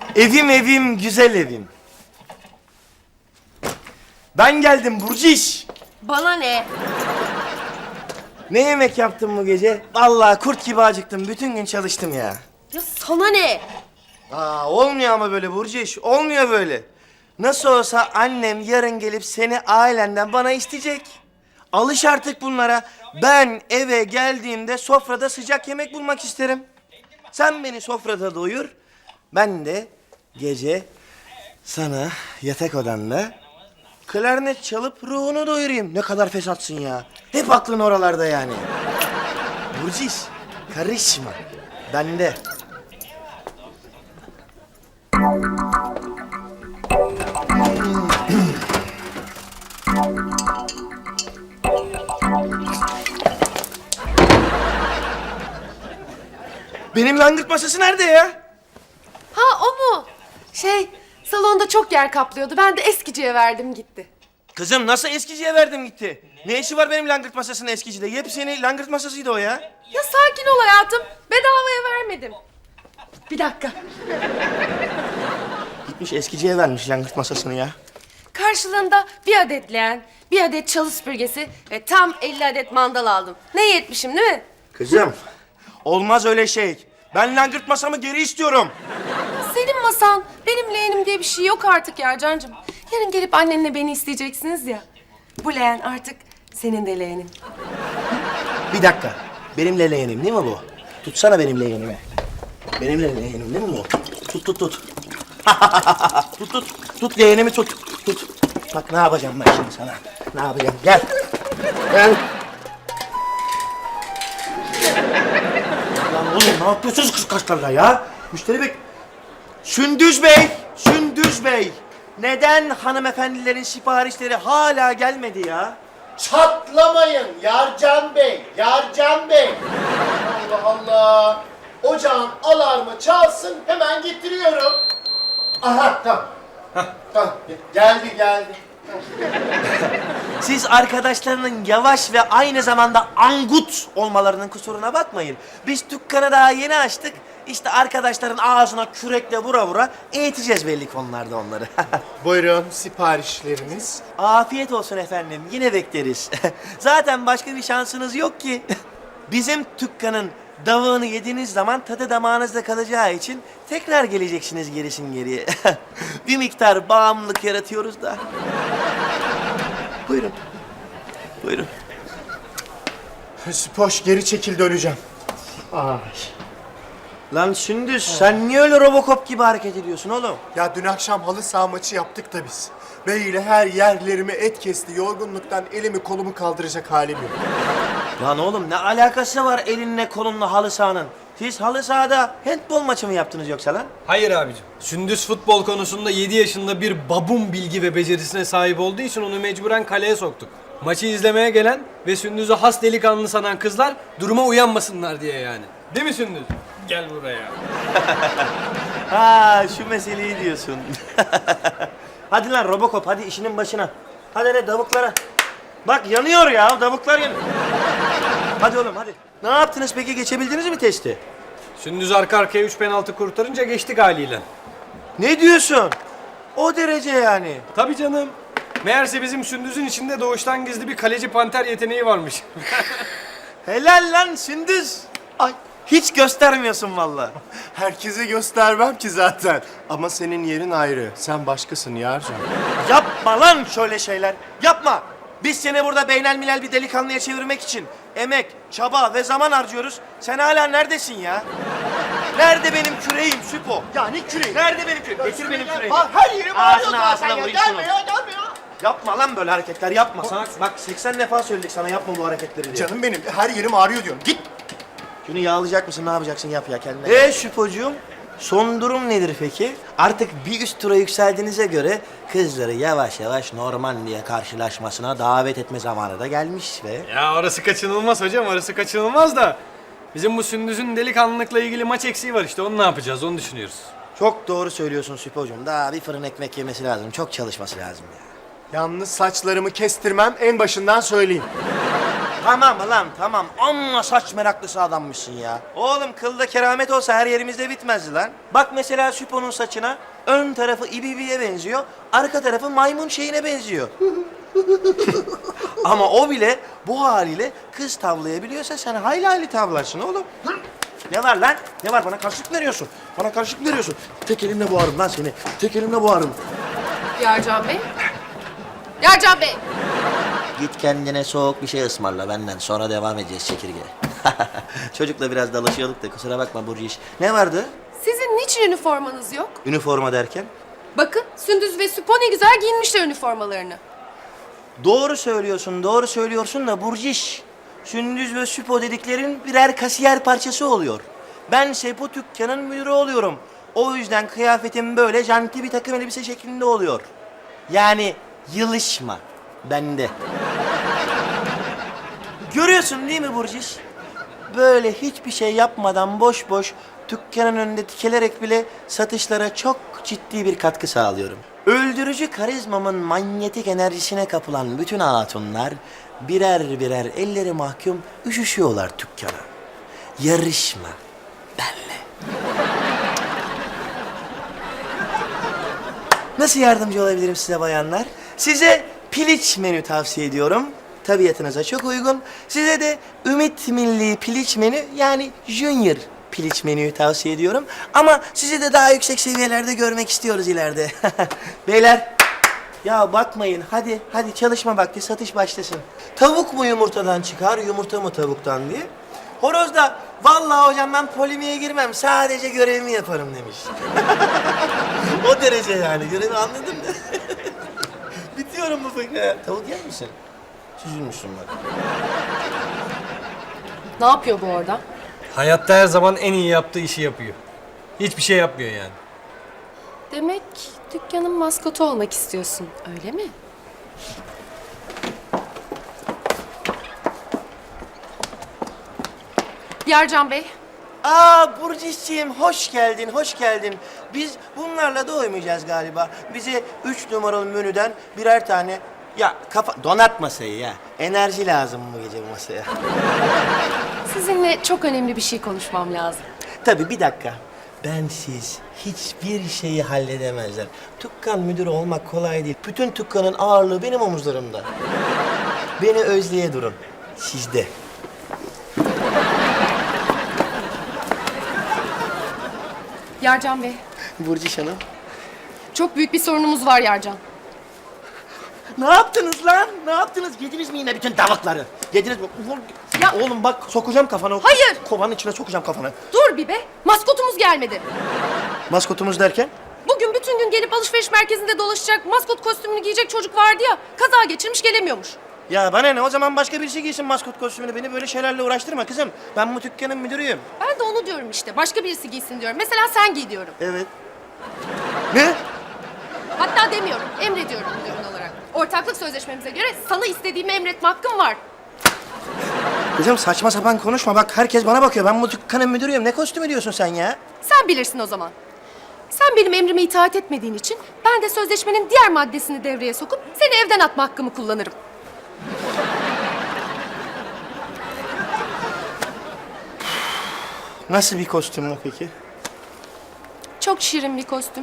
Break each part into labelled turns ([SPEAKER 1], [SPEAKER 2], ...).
[SPEAKER 1] Evim evim, güzel evim. Ben geldim Burciş.
[SPEAKER 2] Bana ne?
[SPEAKER 1] Ne yemek yaptın bu gece? Vallahi kurt gibi acıktım. Bütün gün çalıştım ya.
[SPEAKER 2] Ya sana ne?
[SPEAKER 1] Olmuyor ama böyle Burciş. Olmuyor böyle. Nasıl olsa annem yarın gelip seni ailenden bana isteyecek. Alış artık bunlara. Ben eve geldiğimde sofrada sıcak yemek bulmak isterim. Sen beni sofrada doyur. Ben de gece sana yatak odanda klarnet çalıp ruhunu doyurayım. Ne kadar fesatsın ya. Hep aklın oralarda yani. Burciş, karışma. Bende. Benim langırt masası nerede ya?
[SPEAKER 2] Ha o mu? Salonda çok yer kaplıyordu. Ben de eskiciye verdim gitti.
[SPEAKER 1] Kızım nasıl eskiciye verdim gitti? Ne işi var benim langırt masasının eskicide? Yepyeni langırt masasıydı o ya.
[SPEAKER 2] Ya sakin ol hayatım. Bedavaya vermedim. Bir dakika.
[SPEAKER 1] Gitmiş eskiciye vermiş langırt masasını ya.
[SPEAKER 2] Karşılığında bir adet leğen, bir adet çalı süpürgesi ve tam 50 adet mandal aldım. Ne iyi etmişim değil mi?
[SPEAKER 1] Kızım olmaz öyle şey. Ben langırt masamı geri istiyorum.
[SPEAKER 2] Senin masan, benim leğenim diye bir şey yok artık ya Cancığım. Yarın gelip annenle beni isteyeceksiniz ya. Bu leğen artık senin de leğenin.
[SPEAKER 1] Bir dakika. Benim leğenim değil mi bu? Tutsana benim leğenimi. Benim leğenim değil mi bu? Tut. Tut leğenimi tut. Bak ne yapacağım ben şimdi sana. Ne yapacağım? Gel. Lan oğlum ne yapıyorsunuz kız kaşlarla ya? Müşteri bek... Sündüz Bey. Neden hanımefendilerin siparişleri hala gelmedi ya?
[SPEAKER 3] Çatlamayın Yarcan Bey, Yarcan Bey. Allah Allah. Ocağın alarmı çalsın, hemen getiriyorum. Aha, tamam. Tamam, geldi.
[SPEAKER 1] Siz arkadaşlarının yavaş ve aynı zamanda angut olmalarının kusuruna bakmayın. Biz dükkanı daha yeni açtık. İşte arkadaşların ağzına kürekle vura eğiteceğiz belli konularda onları.
[SPEAKER 3] Buyurun, siparişleriniz.
[SPEAKER 1] Afiyet olsun efendim. Yine bekleriz. Zaten başka bir şansınız yok ki. Bizim dükkanın davağını yediğiniz zaman tadı damağınızda kalacağı için tekrar geleceksiniz gerisin geriye. Bir miktar bağımlılık yaratıyoruz da. Buyurun.
[SPEAKER 3] Spoş, geri çekil, döneceğim.
[SPEAKER 1] Lan Sündüz sen niye öyle Robocop gibi hareket ediyorsun oğlum?
[SPEAKER 3] Ya dün akşam halı saha maçı yaptık da biz. Bey ile her yerlerimi et kesti. Yorgunluktan elimi kolumu kaldıracak halim yok.
[SPEAKER 1] Lan oğlum ne alakası var elinle kolunla halı sahanın? Siz halı sahada handbol maçı mı yaptınız yoksa lan?
[SPEAKER 4] Hayır abicim. Sündüz futbol konusunda 7 yaşında bir babun bilgi ve becerisine sahip olduğu için onu mecburen kaleye soktuk. Maçı izlemeye gelen ve Sündüz'ü has delikanlı sanan kızlar duruma uyanmasınlar diye yani. Değil mi Sündüz? Gel buraya.
[SPEAKER 1] Ha şu meseleyi diyorsun. Hadi lan Robocop hadi işinin başına. Hadi davuklara. Bak yanıyor ya davuklar yanıyor. Hadi oğlum hadi. Ne yaptınız peki geçebildiniz mi testi?
[SPEAKER 4] Sündüz arka arkaya 3 penaltı kurtarınca geçtik haliyle.
[SPEAKER 1] Ne diyorsun? O derece yani.
[SPEAKER 4] Tabii canım. Meğerse bizim Sündüz'ün içinde doğuştan gizli bir kaleci panter yeteneği varmış.
[SPEAKER 1] Helal lan Sündüz. Ay hiç göstermiyorsun vallahi.
[SPEAKER 3] Herkese göstermem ki zaten. Ama senin yerin ayrı. Sen başkasın Yarcan.
[SPEAKER 1] Yapma lan şöyle şeyler. Yapma. Biz seni burada beynelmilel bir delikanlıya çevirmek için emek, çaba ve zaman harcıyoruz. Sen hala neredesin ya? Nerede benim küreğim Süpo?
[SPEAKER 3] Ya ne küreği?
[SPEAKER 1] Nerede benim küreğim? Getir benim küreğimi.
[SPEAKER 3] Her yerim ağrıyor
[SPEAKER 1] Ağzına
[SPEAKER 3] zaten ya.
[SPEAKER 1] vurayım şunu.
[SPEAKER 3] Gelme ya.
[SPEAKER 1] Yapma lan böyle hareketler yapma. Sana bak 80 defa söyledik sana yapma bu hareketleri diye.
[SPEAKER 3] Canım benim, her yerim ağrıyor diyorum. Git.
[SPEAKER 1] Şunu yağlayacak mısın ne yapacaksın yap ya kendine. Süpocuğum son durum nedir peki? Artık bir üst tura yükseldiğinize göre kızları yavaş yavaş Normandiya karşılaşmasına davet etme zamanı da gelmiş ve...
[SPEAKER 4] Ya orası kaçınılmaz hocam, orası kaçınılmaz da. Bizim bu Sündüz'ün delikanlılıkla ilgili maç eksiği var işte, onu ne yapacağız, onu düşünüyoruz.
[SPEAKER 1] Çok doğru söylüyorsun Süpocuğum. Daha bir fırın ekmek yemesi lazım. Çok çalışması lazım ya.
[SPEAKER 3] Yalnız saçlarımı kestirmem, en başından söyleyeyim.
[SPEAKER 1] Tamam lan tamam. Amma saç meraklısı adammışsın ya. Oğlum kılda keramet olsa her yerimizde bitmezdi lan. Bak mesela Süpo'nun saçına ön tarafı ibibiye benziyor, arka tarafı maymun şeyine benziyor. Ama o bile bu haliyle kız tavlayabiliyorsa sen hayli hayli tavlarsın oğlum. Ne var lan? Ne var? Bana karşılık veriyorsun. Bana karşılık veriyorsun. Tek elimle boğarım lan seni. Tek elimle boğarım.
[SPEAKER 2] Yarcan Bey. Yarcan Bey.
[SPEAKER 1] Git kendine soğuk bir şey ısmarla benden. Sonra devam edeceğiz çekirge. Çocukla biraz dalaşıyorduk da kusura bakma Burcu iş. Ne vardı?
[SPEAKER 2] Sizin niçin üniformanız yok?
[SPEAKER 1] Üniforma derken?
[SPEAKER 2] Bakın Sündüz ve Süpo ne güzel giyinmişler üniformalarını.
[SPEAKER 1] Doğru söylüyorsun, doğru söylüyorsun da Burciş. Sündüz ve Süpo dediklerin birer kasiyer parçası oluyor. Bense bu dükkanın müdürü oluyorum. O yüzden kıyafetim böyle janti bir takım elbise şeklinde oluyor. Yani yılışma bende. Görüyorsun değil mi Burciş? Böyle hiçbir şey yapmadan boş boş dükkanın önünde dikelerek bile satışlara çok ciddi bir katkı sağlıyorum. Öldürücü karizmamın manyetik enerjisine kapılan bütün hatunlar birer birer elleri mahkum üşüşüyorlar dükkana. Yarışma benle. Nasıl yardımcı olabilirim size bayanlar? Size piliç menü tavsiye ediyorum. Tabiatınıza çok uygun. Size de Ümit Milli Piliç menü yani Junior Piliç menüyü tavsiye ediyorum. Ama sizi de daha yüksek seviyelerde görmek istiyoruz ileride. Beyler, ya bakmayın. Hadi çalışma vakti, satış başlasın. Tavuk mu yumurtadan çıkar, yumurta mı tavuktan diye. Horoz da vallahi hocam ben polemiğe girmem, sadece görevimi yaparım demiş. O derece yani, görevi anladın mı? Bitiyorum bu fıkra. Tavuk yer misin? Süzülmüşsün bak.
[SPEAKER 2] Ne yapıyor bu orada?
[SPEAKER 4] Hayatta her zaman en iyi yaptığı işi yapıyor. Hiçbir şey yapmıyor yani.
[SPEAKER 2] Demek dükkanın maskotu olmak istiyorsun, öyle mi? Yarcan Bey.
[SPEAKER 1] Aa Burcu'ciğim hoş geldin, hoş geldin. Biz bunlarla doymayacağız galiba. Bize 3 numaralı menüden birer tane... Ya donat masayı ya. Enerji lazım bu gece bu masaya.
[SPEAKER 2] Sizinle çok önemli bir şey konuşmam lazım.
[SPEAKER 1] Tabii bir dakika. Bensiz hiçbir şeyi halledemezler. Dükkan müdürü olmak kolay değil. Bütün dükkanın ağırlığı benim omuzlarımda. Beni özleye durun. Sizde.
[SPEAKER 2] Yarcan Bey,
[SPEAKER 1] Burcu Hanım.
[SPEAKER 2] çok büyük bir sorunumuz var Yarcan.
[SPEAKER 1] Ne yaptınız lan? Ne yaptınız? Yediniz mi yine bütün tavukları? Yediniz mi?
[SPEAKER 2] Ya-
[SPEAKER 1] Oğlum bak sokacağım kafana.
[SPEAKER 2] Hayır!
[SPEAKER 1] Kovanın içine sokacağım kafana.
[SPEAKER 2] Dur bir be, maskotumuz gelmedi.
[SPEAKER 1] Maskotumuz derken?
[SPEAKER 2] Bugün bütün gün gelip alışveriş merkezinde dolaşacak, maskot kostümünü giyecek çocuk vardı ya, kaza geçirmiş gelemiyormuş.
[SPEAKER 1] Ya bana ne? O zaman başka birisi giysin maskot kostümünü. Beni böyle şeylerle uğraştırma kızım. Ben bu dükkanın müdürüyüm.
[SPEAKER 2] Ben de onu diyorum işte, başka birisi giysin diyorum. Mesela sen giy diyorum.
[SPEAKER 1] Evet. Ne?
[SPEAKER 2] Hatta demiyorum, emrediyorum müdürün olarak. Ortaklık sözleşmemize göre sana istediğimi emretme hakkım var.
[SPEAKER 1] Kızım saçma sapan konuşma. Bak herkes bana bakıyor. Ben bu dükkanın müdürüyüm. Ne kostümü diyorsun sen ya?
[SPEAKER 2] Sen bilirsin o zaman. Sen benim emrime itaat etmediğin için ben de sözleşmenin diğer maddesini devreye sokup seni evden atma hakkımı kullanırım.
[SPEAKER 1] Nasıl bir kostüm bu peki?
[SPEAKER 2] Çok şirin bir kostüm.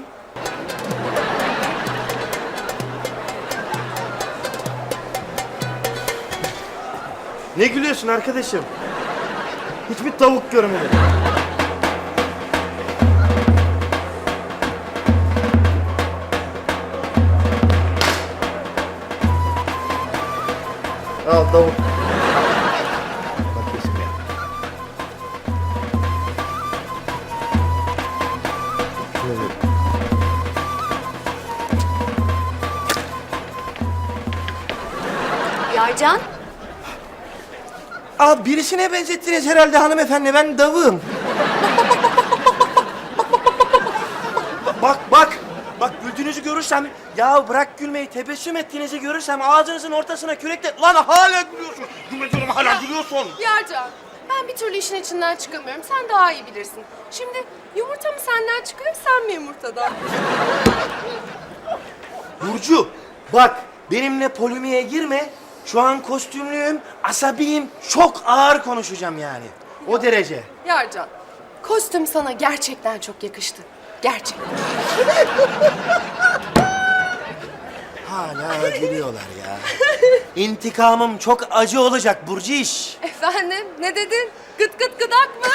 [SPEAKER 1] Ne gülüyorsun arkadaşım? Hiçbir tavuk görmedim. Al tavuk. Bak kesin ya. Şöyle.
[SPEAKER 2] Yarcan?
[SPEAKER 1] Aa birisine benzettiniz herhalde hanımefendi. Ben davığım. Bak. Bak güldüğünüzü görürsem... Ya bırak gülmeyi. Tebessüm ettiğinizi görürsem ağzınızın ortasına kürekle... Lan hala gülüyorsun. Gülmediyorum hala gülüyorsun.
[SPEAKER 2] Yarcan, ben bir türlü işin içinden çıkamıyorum. Sen daha iyi bilirsin. Şimdi yumurta mı senden çıkıyor, sen mi yumurtadan?
[SPEAKER 1] Burcu bak benimle polemiğe girme. Şu an kostümlüyüm, asabiyim, çok ağır konuşacağım yani. O derece.
[SPEAKER 2] Yarcan, kostüm sana gerçekten çok yakıştı. Gerçekten.
[SPEAKER 1] Hala gülüyorlar ya. İntikamım çok acı olacak Burciş.
[SPEAKER 2] Efendim, ne dedin? Gıt gıt gıdak mı?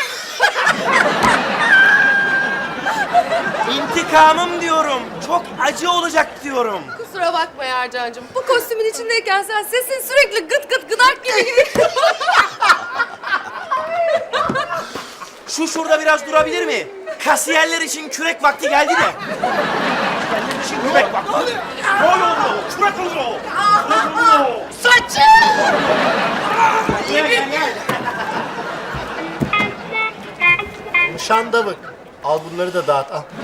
[SPEAKER 1] İntikamım diyorum, çok acı olacak diyorum.
[SPEAKER 2] Kusura bakma Yarcancığım. Bu kostümün içindeyken sen sesin sürekli gıt gıt gıdak gibi.
[SPEAKER 1] Şu şurada biraz durabilir mi? Kasiyerler için kürek vakti geldi de. Kasiyerler için kürek vakti. Ne oluyor? Kürek oluyor. Kürek oluyor.
[SPEAKER 2] Saçım!
[SPEAKER 1] Gel gel gel.
[SPEAKER 3] Şandavık. Al bunları da dağıt al.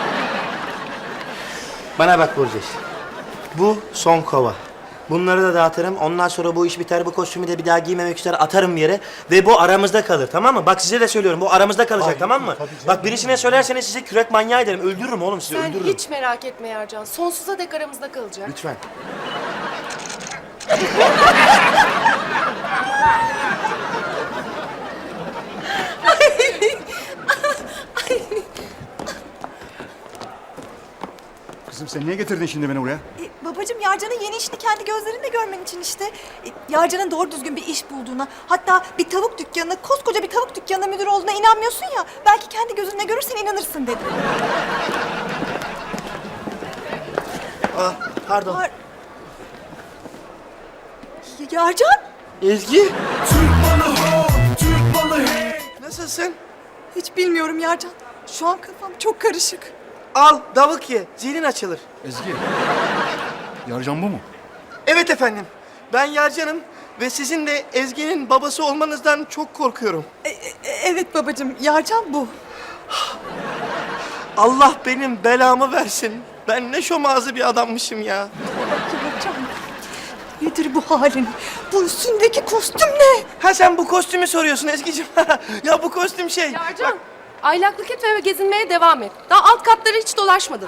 [SPEAKER 1] Bana bak Burceş. Bu son kova. Bunları da dağıtırım. Ondan sonra bu iş biter. Bu kostümü de bir daha giymemek üzere atarım bir yere. Ve bu aramızda kalır, tamam mı? Bak size de söylüyorum. Bu aramızda kalacak,
[SPEAKER 3] Ay,
[SPEAKER 1] tamam mı?
[SPEAKER 3] tabii canım.
[SPEAKER 1] Bak birisine söylerseniz size kürek manyağı ederim. Öldürürüm oğlum sizi,
[SPEAKER 2] Sen
[SPEAKER 1] öldürürüm.
[SPEAKER 2] hiç merak etme Yarcan. Sonsuza dek aramızda kalacak.
[SPEAKER 1] Lütfen.
[SPEAKER 5] Kızım sen niye getirdin şimdi beni buraya?
[SPEAKER 6] Babacığım Yarcan'ın yeni işini kendi gözlerinle görmen için işte. Yarcan'ın doğru düzgün bir iş bulduğuna, hatta bir tavuk dükkanına, koskoca bir tavuk dükkanına müdür olduğuna inanmıyorsun ya. Belki kendi gözünle görürsen inanırsın dedim.
[SPEAKER 1] Ah, pardon.
[SPEAKER 6] Yarcan?
[SPEAKER 1] Ezgi. Nasılsın?
[SPEAKER 6] Hiç bilmiyorum Yarcan. Şu an kafam çok karışık.
[SPEAKER 1] Al, davuk ye. Zihnin açılır.
[SPEAKER 5] Ezgi. Yarcan bu mu?
[SPEAKER 1] Evet efendim. Ben Yarcan'ım ve sizin de Ezgi'nin babası olmanızdan çok korkuyorum.
[SPEAKER 6] Evet babacığım, Yarcan bu.
[SPEAKER 1] Allah benim belamı versin. Ben ne şomazı bir adammışım ya.
[SPEAKER 6] Yarcan, nedir bu halin? Bu üstündeki kostüm ne?
[SPEAKER 1] Ha sen bu kostümü soruyorsun Ezgi'cim. Ya bu kostüm şey.
[SPEAKER 2] Yarcan, aylaklık etme ve gezinmeye devam et. Daha alt katları hiç dolaşmadın.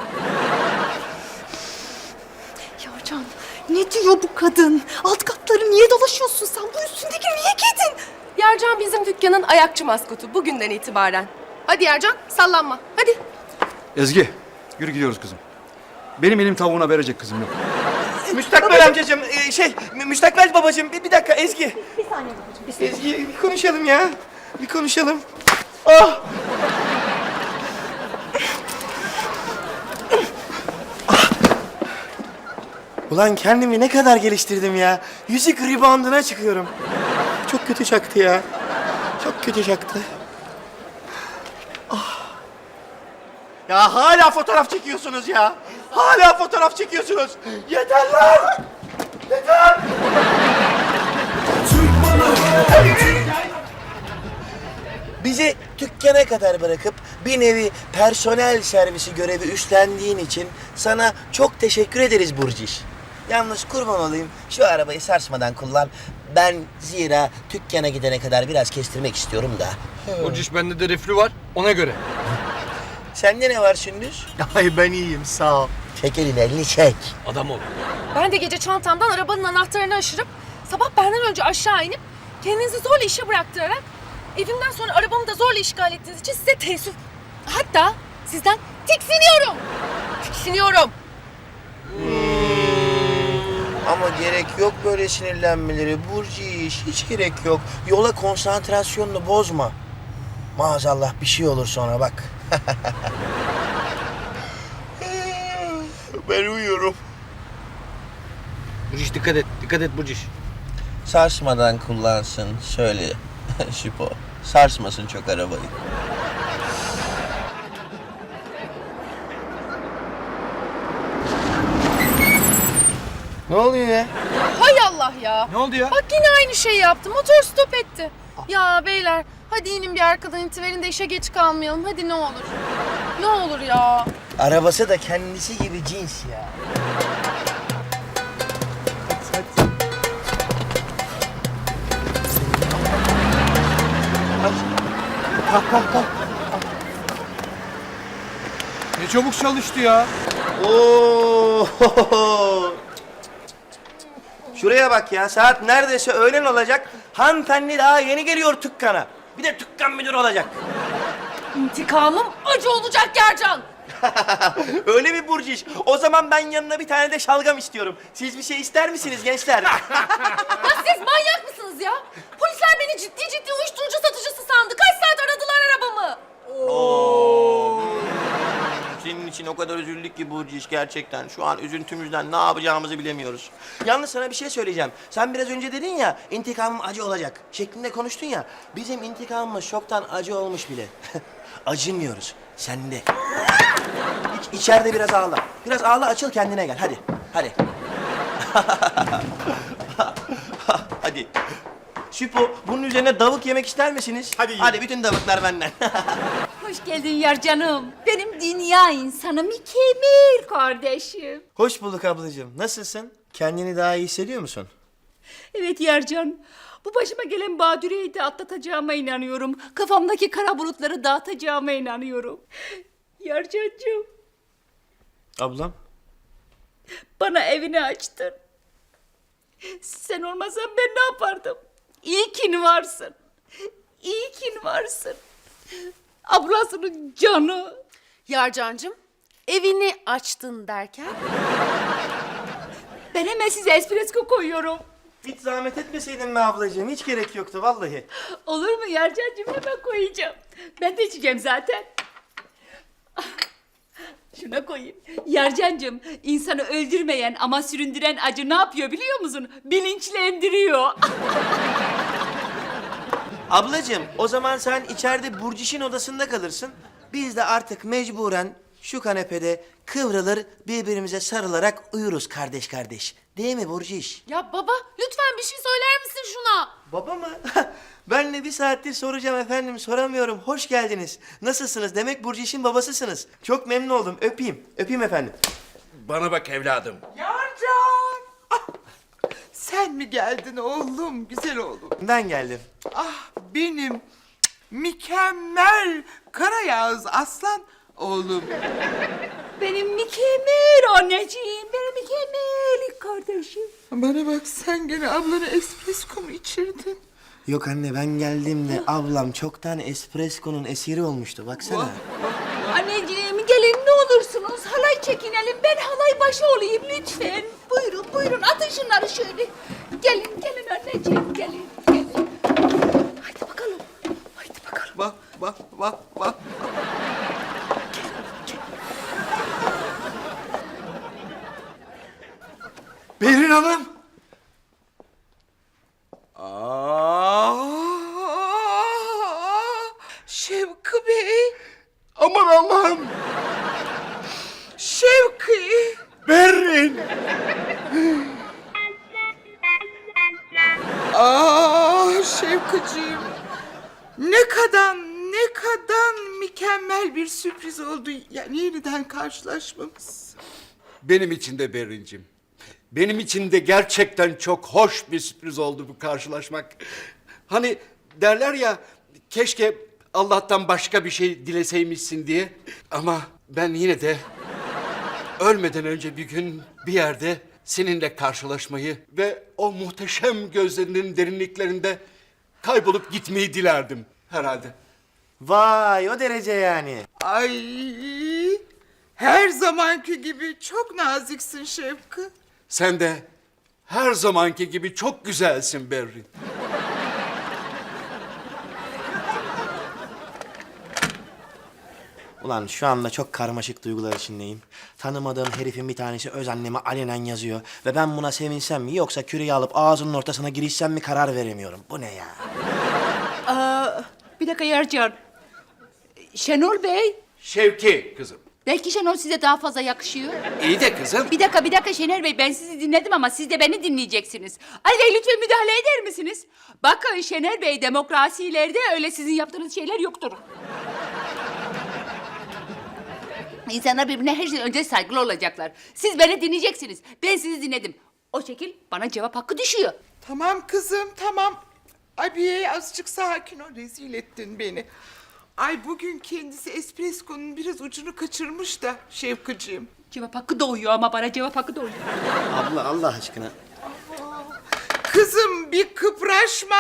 [SPEAKER 6] Yarcan, ne diyor bu kadın? Alt katları niye dolaşıyorsun sen? Bu üstündeki niye giydin?
[SPEAKER 2] Yarcan bizim dükkanın ayakçı maskotu bugünden itibaren. Hadi Yarcan, sallanma. Hadi.
[SPEAKER 5] Ezgi. Yürü gidiyoruz kızım. Benim elim tavuğuna verecek kızım yok.
[SPEAKER 1] Müstakbel amcacığım, müstakbel babacığım bir dakika Ezgi.
[SPEAKER 6] Bir saniye babacığım, bir saniye.
[SPEAKER 1] Ezgi bir konuşalım ya. Bir konuşalım. Ah! Ah! Ulan kendimi ne kadar geliştirdim ya. Yüzük rebounduna çıkıyorum. Çok kötü çaktı ya. Çok kötü çaktı. Ah! Ya hala fotoğraf çekiyorsunuz ya. Hala fotoğraf çekiyorsunuz. Yeter lan! Yeter! Bizi dükkana kadar bırakıp bir nevi personel servisi görevi üstlendiğin için sana çok teşekkür ederiz Burciş. Yalnız kurban olayım şu arabayı sarsmadan kullan. Ben zira dükkana gidene kadar biraz kestirmek istiyorum da.
[SPEAKER 4] Burciş bende de reflü var ona göre.
[SPEAKER 1] Sende ne var Sündüz?
[SPEAKER 3] Ay ben iyiyim sağ ol.
[SPEAKER 1] Çek elini çek.
[SPEAKER 4] Adam ol.
[SPEAKER 2] Ben de gece çantamdan arabanın anahtarını aşırıp sabah benden önce aşağı inip kendinizi zorla işe bıraktırarak evimden sonra arabamı da zorla işgal ettiğiniz için size teessüf. Hatta sizden tiksiniyorum. Tiksiniyorum.
[SPEAKER 1] Ama gerek yok böyle sinirlenmeleri Burciş. Hiç gerek yok. Yola konsantrasyonunu bozma. Maazallah bir şey olur sonra bak. Ben uyuyorum.
[SPEAKER 4] Burciş dikkat et. Dikkat et Burciş.
[SPEAKER 1] Sarsmadan kullansın söyle Şipo. Sarsmasın çok arabayı. Ne oluyor ya?
[SPEAKER 2] Hay Allah ya.
[SPEAKER 4] Ne oldu ya?
[SPEAKER 2] Bak yine aynı şeyi yaptı. Motor stop etti. Ya beyler hadi inin bir arkadan itiverin de işe geç kalmayalım. Hadi ne olur. Ne olur ya.
[SPEAKER 1] Arabası da kendisi gibi cins ya.
[SPEAKER 4] Ne çabuk çalıştı ya.
[SPEAKER 1] Oo! Şuraya bak ya, saat neredeyse öğlen olacak. Hanımefendi daha yeni geliyor dükkana. Bir de dükkan müdürü olacak.
[SPEAKER 2] İntikamım acı olacak Yarcan.
[SPEAKER 1] Öyle mi Burciş? O zaman ben yanına bir tane de şalgam istiyorum. Siz bir şey ister misiniz gençler?
[SPEAKER 2] Ya siz manyak mısınız ya? Polisler beni ciddi ciddi uyuşturucu satıcısı sandı. Kaç saat aradılar arabamı.
[SPEAKER 1] Senin için o kadar üzüldük ki Burciş gerçekten. Şu an üzüntümüzden ne yapacağımızı bilemiyoruz. Yalnız sana bir şey söyleyeceğim. Sen biraz önce dedin ya, intikamım acı olacak şeklinde konuştun ya. Bizim intikamımız çoktan acı olmuş bile. Acımıyoruz. Sende. İçeride biraz ağla. Biraz ağla, açıl kendine gel. Hadi. Hadi. Hadi. Süpo, bunun üzerine davuk yemek ister misiniz?
[SPEAKER 3] Hadi
[SPEAKER 1] Hadi bütün davuklar benden.
[SPEAKER 7] Hoş geldin Yarcanım. Benim dünya insanı mükemmel kardeşim.
[SPEAKER 1] Hoş bulduk ablacığım. Nasılsın? Kendini daha iyi hissediyor musun?
[SPEAKER 7] Evet Yarcan. Bu başıma gelen badireyi de atlatacağıma inanıyorum. Kafamdaki kara bulutları dağıtacağıma inanıyorum. Yarcancığım,
[SPEAKER 1] Ablam?
[SPEAKER 7] bana evini açtın. Sen olmasan ben ne yapardım? İyi ki varsın. İyi ki varsın. Ablasının canı.
[SPEAKER 2] Yarcancığım, evini açtın derken?
[SPEAKER 7] Ben hemen size espresso koyuyorum.
[SPEAKER 1] Hiç zahmet etmeseydin mi ablacığım? Hiç gerek yoktu vallahi.
[SPEAKER 7] Olur mu Yarcancığım, hemen koyacağım. Ben de içeceğim zaten. Şuna koyayım. Yarcancığım, insanı öldürmeyen ama süründüren acı ne yapıyor biliyor musun? Bilinçlendiriyor.
[SPEAKER 1] Ablacığım, o zaman sen içeride Burciş'in odasında kalırsın. Biz de artık mecburen şu kanepede kıvrılır, birbirimize sarılarak uyuruz kardeş kardeş. Değil mi Burciş?
[SPEAKER 2] Ya baba, lütfen bir şey söyler misin şuna?
[SPEAKER 1] Baba mı? Ben de bir saattir soracağım efendim, soramıyorum. Hoş geldiniz. Nasılsınız? Demek Burciş'in babasısınız. Çok memnun oldum. Öpeyim. Öpeyim efendim.
[SPEAKER 8] Bana bak evladım.
[SPEAKER 9] Yarcan! Ah, sen mi geldin oğlum, güzel oğlum?
[SPEAKER 1] Ben geldim.
[SPEAKER 9] Ah benim mükemmel Karayağız aslan oğlum.
[SPEAKER 7] Benim mükemmel anneciğim, benim mükemmel kardeşim.
[SPEAKER 9] Bana bak, sen gene ablana espresso mu içirdin?
[SPEAKER 1] Yok anne, ben geldiğimde ablam çoktan espresso'nun esiri olmuştu. Baksana.
[SPEAKER 7] Anneciğim gelin ne olursunuz, halay çekinelim. Ben halay başı olayım lütfen. Buyurun buyurun, atın şunları şöyle. Gelin gelin anneciğim, gelin gelin. Haydi bakalım, haydi bakalım.
[SPEAKER 9] Bak bak bak bak.
[SPEAKER 1] Berin Hanım.
[SPEAKER 9] Şevki Bey. Aman Allah'ım. Şevki.
[SPEAKER 3] Berrin!
[SPEAKER 9] Şevkiciğim. Ne kadar mükemmel bir sürpriz oldu. Yani yeniden karşılaşmamız.
[SPEAKER 8] Benim için de Berrin'cim. Benim için de gerçekten çok hoş bir sürpriz oldu bu karşılaşmak. Hani derler ya, keşke Allah'tan başka bir şey dileseymişsin diye. Ama ben yine de ölmeden önce bir gün bir yerde seninle karşılaşmayı ve o muhteşem gözlerinin derinliklerinde kaybolup gitmeyi dilerdim herhalde.
[SPEAKER 1] Vay, o derece yani.
[SPEAKER 9] Ay, her zamanki gibi çok naziksin Şevki.
[SPEAKER 8] Sen de her zamanki gibi çok güzelsin Berrin.
[SPEAKER 1] Ulan şu anda çok karmaşık duygular içindeyim. Tanımadığım herifin bir tanesi öz anneme alenen yazıyor. Ve ben buna sevinsem mi yoksa küreği alıp ağzının ortasına girişsem mi karar veremiyorum. Bu ne ya?
[SPEAKER 7] Bir dakika Yarcan. Şenol Bey,
[SPEAKER 8] Şevki kızım.
[SPEAKER 7] belki Şenol size daha fazla yakışıyor.
[SPEAKER 8] İyi de kızım.
[SPEAKER 7] Bir dakika Şener Bey, ben sizi dinledim ama siz de beni dinleyeceksiniz. Ali Bey lütfen müdahale eder misiniz? Bakın Şener Bey, demokrasilerde öyle sizin yaptığınız şeyler yoktur. İnsanlar birbirine her şeyden önce saygılı olacaklar. Siz beni dinleyeceksiniz. Ben sizi dinledim. O şekil bana cevap hakkı düşüyor.
[SPEAKER 9] Tamam kızım, tamam. Abi azıcık sakin ol, rezil ettin beni. Ay bugün kendisi espresso'nun biraz ucunu kaçırmış da Şevkiciğim.
[SPEAKER 7] Cevap hakkı doğuyor ama bana cevap hakkı doğuyor.
[SPEAKER 1] Abla Allah aşkına.
[SPEAKER 9] Kızım bir kıpraşma.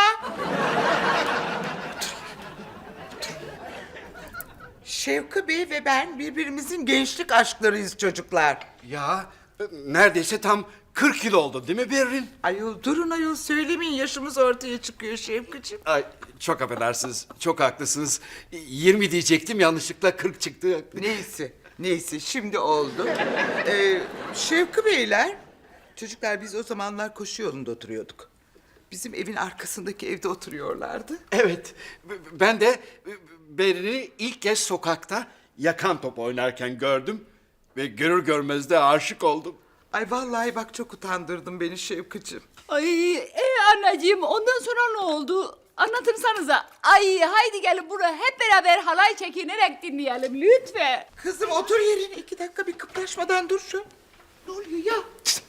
[SPEAKER 9] Şevki Bey ve ben birbirimizin gençlik aşklarıyız çocuklar.
[SPEAKER 8] Ya neredeyse tam 40 yıl oldu değil mi Berrin?
[SPEAKER 9] Ayol durun ayol söylemeyin, yaşımız ortaya çıkıyor Şevkiciğim.
[SPEAKER 8] Ay çok affedersiniz, çok haklısınız. 20 diyecektim, yanlışlıkla 40 çıktı.
[SPEAKER 9] Neyse şimdi oldu. Şevki Beyler, çocuklar biz o zamanlar koşu yolunda oturuyorduk. Bizim evin arkasındaki evde oturuyorlardı.
[SPEAKER 8] Evet, ben de Berrin'i ilk kez sokakta yakan top oynarken gördüm. Ve görür görmez de aşık oldum.
[SPEAKER 9] Ay vallahi bak çok utandırdın beni Şevkiciğim.
[SPEAKER 7] Ay anneciğim ondan sonra ne oldu? Anlatırsanıza. Ay haydi gelin buraya hep beraber halay çekinerek dinleyelim lütfen.
[SPEAKER 9] Kızım otur yerine 2 dakika bir kıpraşmadan dur şu. Ne oluyor ya?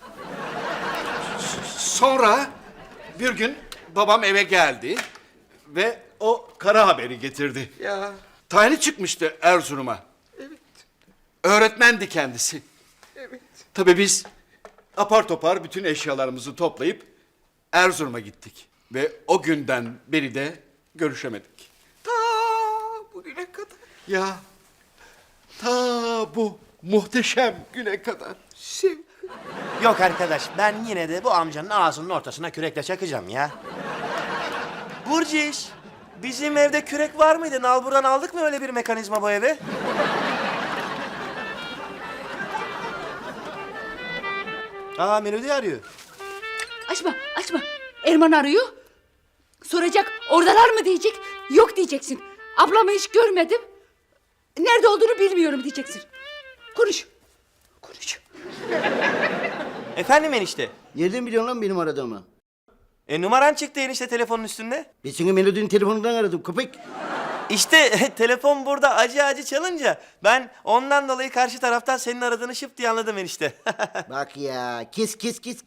[SPEAKER 8] Sonra bir gün babam eve geldi ve o kara haberi getirdi.
[SPEAKER 9] Ya
[SPEAKER 8] Tayini çıkmıştı Erzurum'a.
[SPEAKER 9] evet,
[SPEAKER 8] Öğretmendi kendisi.
[SPEAKER 9] evet.
[SPEAKER 8] Tabii biz apar topar bütün eşyalarımızı toplayıp Erzurum'a gittik. Ve o günden beri de görüşemedik.
[SPEAKER 9] Ta bugüne kadar.
[SPEAKER 8] Ya ta bu muhteşem güne kadar.
[SPEAKER 9] Şevki.
[SPEAKER 1] Yok arkadaş, ben yine de bu amcanın ağzının ortasına kürekle çakacağım ya. Burciş, bizim evde kürek var mıydı? Nalbur'dan aldık mı öyle bir mekanizma bu eve? Aa, Melodi arıyor.
[SPEAKER 7] Açma. Erman arıyor. Soracak oradalar mı diyecek. Yok diyeceksin. Ablamı hiç görmedim. Nerede olduğunu bilmiyorum diyeceksin. Konuş.
[SPEAKER 1] Efendim enişte?
[SPEAKER 10] Nereden biliyorsun lan benim aradığımı?
[SPEAKER 1] Numaran çıktı enişte telefonun üstünde.
[SPEAKER 10] Ben seni Melodi'nin telefonundan aradım köpek.
[SPEAKER 1] İşte telefon burada acı çalınca ben ondan dolayı karşı taraftan senin aradığını şıp diye anladım enişte.
[SPEAKER 10] Bak ya kes.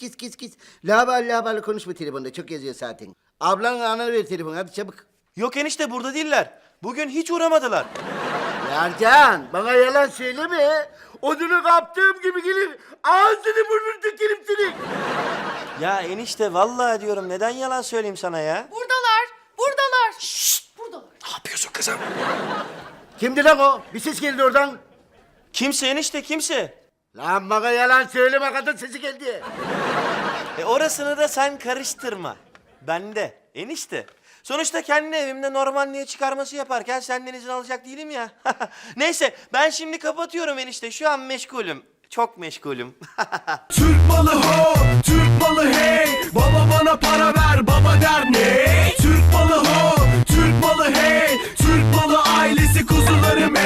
[SPEAKER 10] Labal konuşma telefonda çok yazıyor zaten. Ablanla ananı ver telefonu hadi çabuk.
[SPEAKER 1] Yok enişte burada değiller. Bugün hiç uğramadılar.
[SPEAKER 10] Yarcan bana yalan söyleme. Odunu kaptığım gibi gelir ağzını burnunu dökerim seni.
[SPEAKER 1] Ya enişte vallahi diyorum neden yalan söyleyeyim sana ya?
[SPEAKER 2] Buradalar.
[SPEAKER 8] Ne yapıyorsun kızım?
[SPEAKER 10] Kimdi lan o? Bir ses geldi oradan.
[SPEAKER 1] Kimse enişte kimse.
[SPEAKER 10] Lan bana yalan söyleme kadın sesi geldi.
[SPEAKER 1] Orasını da sen karıştırma. Bende enişte. Sonuçta kendi evimde Normandiya çıkarması yaparken senden izin alacak değilim ya. Neyse ben şimdi kapatıyorum enişte. Şu an meşgulüm. Çok meşgulüm.
[SPEAKER 11] Türk malı ho, Türk malı hey. Baba bana para ver, baba der ne? Türk malı ho, Türk malı hey. Türk malı ailesi kuzuları